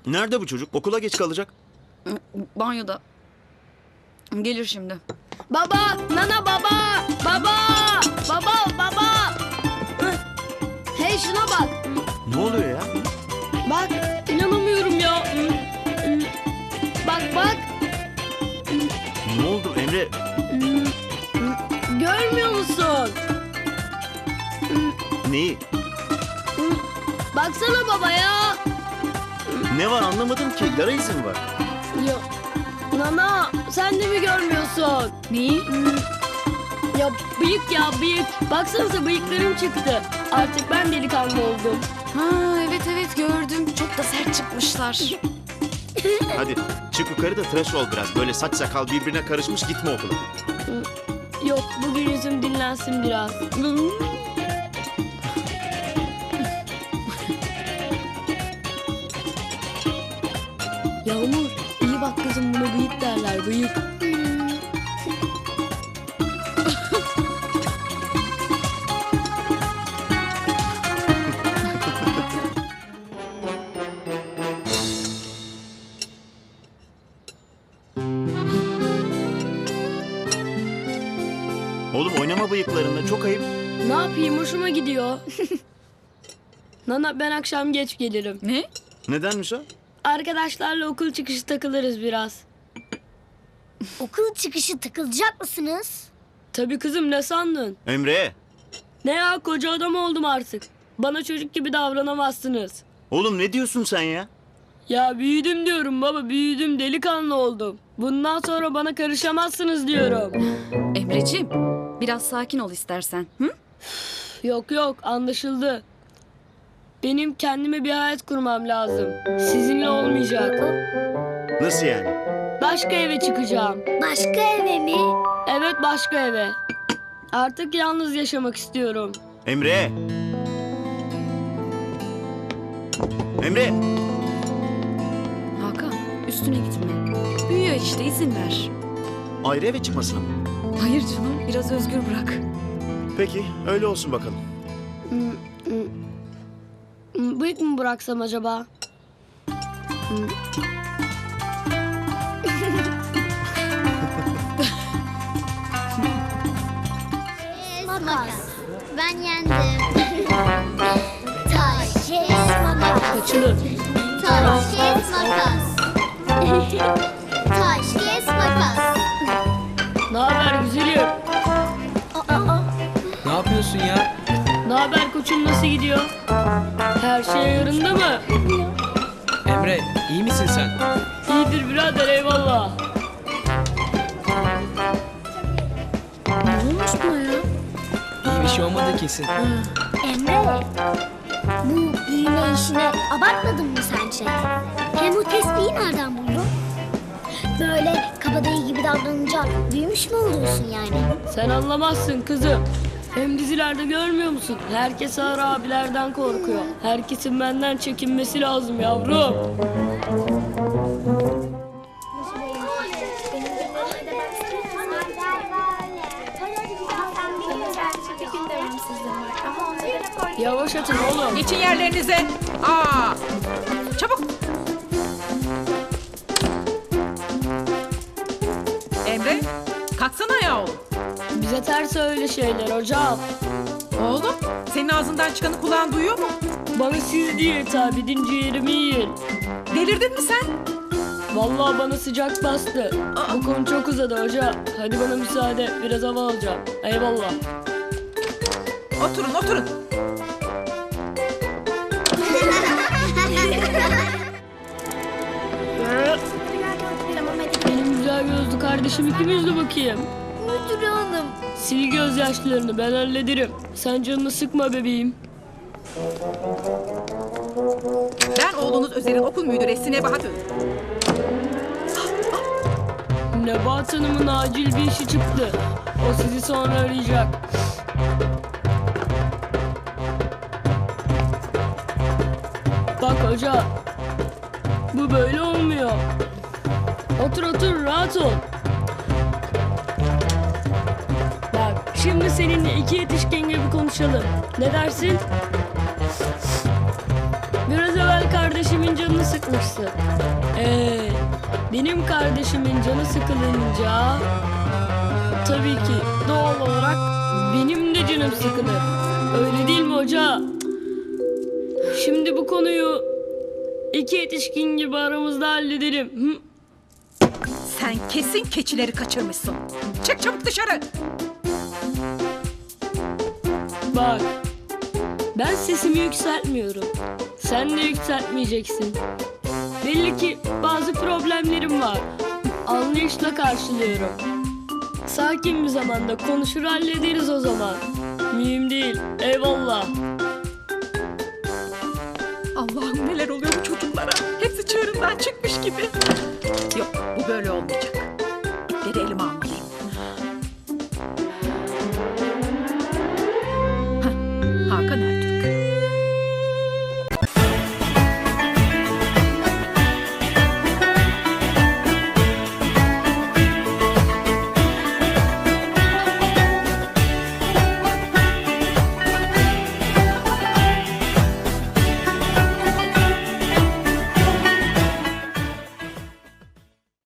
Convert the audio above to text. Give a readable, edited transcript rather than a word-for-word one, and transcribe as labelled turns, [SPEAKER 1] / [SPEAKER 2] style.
[SPEAKER 1] Nerede bu çocuk? Okula geç kalacak.
[SPEAKER 2] Banyoda. Gelir şimdi.
[SPEAKER 3] Baba, nana baba, baba, baba. Hıh. Hey şuna bak.
[SPEAKER 1] Ne oluyor ya?
[SPEAKER 3] Bak, inanamıyorum ya. Bak.
[SPEAKER 1] Ne oldu Emre?
[SPEAKER 3] Görmüyor musun?
[SPEAKER 1] Neyi?
[SPEAKER 3] Baksana baba ya.
[SPEAKER 1] Ne var anlamadım ki. Yara izi mi var?
[SPEAKER 3] Ya, nana sen de mi görmüyorsun?
[SPEAKER 2] Neyi?
[SPEAKER 3] Ya bıyık. Baksanıza bıyıklarım çıktı. Artık ben delikanlı oldum.
[SPEAKER 2] Ha evet gördüm. Çok da sert çıkmışlar.
[SPEAKER 1] Hadi çık yukarı da tıraş ol biraz. Böyle saç sakal birbirine karışmış gitme okula.
[SPEAKER 3] Yok, bugün yüzüm dinlensin biraz. Yağmur, iyi bak kızım, buna bıyık derler, bıyık.
[SPEAKER 1] Oğlum oynama bıyıklarında çok ayıp.
[SPEAKER 3] Ne yapayım, hoşuma gidiyor. Nana, ben akşam geç gelirim.
[SPEAKER 2] Ne?
[SPEAKER 1] Nedenmiş o?
[SPEAKER 3] Arkadaşlarla okul çıkışı takılırız biraz.
[SPEAKER 4] Okul çıkışı takılacak mısınız?
[SPEAKER 3] Tabii kızım, ne sandın?
[SPEAKER 1] Emre.
[SPEAKER 3] Ne ya, koca adam oldum artık. Bana çocuk gibi davranamazsınız.
[SPEAKER 1] Oğlum ne diyorsun sen ya?
[SPEAKER 3] Ya büyüdüm diyorum baba, büyüdüm, delikanlı oldum. Bundan sonra bana karışamazsınız diyorum.
[SPEAKER 2] Emreciğim, biraz sakin ol istersen. Hı?
[SPEAKER 3] Yok, anlaşıldı. Benim kendime bir hayat kurmam lazım. Sizinle olmayacak.
[SPEAKER 1] Nasıl yani?
[SPEAKER 3] Başka eve çıkacağım.
[SPEAKER 4] Başka eve mi?
[SPEAKER 3] Evet, başka eve. Artık yalnız yaşamak istiyorum.
[SPEAKER 1] Emre. Emre.
[SPEAKER 2] Hakan, üstüne gitme. Büyüyor işte, izin ver.
[SPEAKER 1] Ayrı eve çıkmasına mı?
[SPEAKER 2] Hayır canım, biraz özgür bırak.
[SPEAKER 1] Peki öyle olsun bakalım.
[SPEAKER 3] Bıyık mı bıraksam acaba?
[SPEAKER 4] Makas. Ben yendim. Taş, kes, makas.
[SPEAKER 3] Kaçılır.
[SPEAKER 4] Taş, kes, makas. Taş, kes, makas.
[SPEAKER 3] Ne haber güzelim?
[SPEAKER 5] Ne yapıyorsun ya?
[SPEAKER 3] Ne haber koçum, nasıl gidiyor? Her şey yarında mı?
[SPEAKER 5] Emre, iyi misin sen?
[SPEAKER 3] İyidir birader, eyvallah. Ne olmuş buna ya?
[SPEAKER 5] İyi bir şey olmadı kesin.
[SPEAKER 4] Emre, bu giyine işine abartmadın mı sence? Hem o tespihi nereden buldun? Böyle kabadayı gibi davranınca büyümüş mü oluyorsun yani?
[SPEAKER 3] Sen anlamazsın kızım. Hem dizilerde görmüyor musun? Herkes ağır abilerden korkuyor. Herkesin benden çekinmesi lazım yavrum. Yavaş atın oğlum.
[SPEAKER 6] Geçin yerlerinize. Aa! Çabuk. Emre, kalksana ya oğlum.
[SPEAKER 3] Bize ters öyle şeyler hocam.
[SPEAKER 6] Oğlum, senin ağzından çıkanı kulağın duyuyor mu?
[SPEAKER 3] Bana siz diye hitap edin, ciğerimi yiyin.
[SPEAKER 6] Delirdin mi sen?
[SPEAKER 3] Vallahi bana sıcak bastı. Bu konu çok uzadı hoca. Hadi bana müsaade, biraz hava alacağım. Eyvallah.
[SPEAKER 6] Oturun.
[SPEAKER 3] Benim güzel gözlü kardeşim, ikimiz de bakayım.
[SPEAKER 4] Müdür hanım.
[SPEAKER 3] Sil gözyaşlarını, ben hallederim. Sen canını sıkma bebeğim.
[SPEAKER 6] Ben oğlunuz Özer'in okul müdüresi Nebahat Öz.
[SPEAKER 3] Nebahat Hanım'ın acil bir işi çıktı. O sizi sonra arayacak. Bak hoca, bu böyle olmuyor. Otur, rahat ol. Bak, şimdi seninle iki yetişkin gibi konuşalım. Ne dersin? Biraz evvel kardeşim kardeşimin canını sıkmışsın. Benim kardeşimin canı sıkılınca tabii ki doğal olarak benim de canım sıkılır. Öyle değil mi hoca? Şimdi bu konuyu iki yetişkin gibi aramızda halledelim. Hı?
[SPEAKER 6] Sen kesin keçileri kaçırmışsın. Çık çabuk dışarı.
[SPEAKER 3] Bak, ben sesimi yükseltmiyorum. Sen de yükseltmeyeceksin. Belli ki bazı problemlerim var. Anlayışla karşılıyorum. Sakin bir zamanda konuşur hallederiz o zaman. Mühim değil. Eyvallah.
[SPEAKER 6] Allah'ım neler oluyor bu çocuklara. Hepsi çığırından çıkmış gibi. Yok bu böyle olmayacak.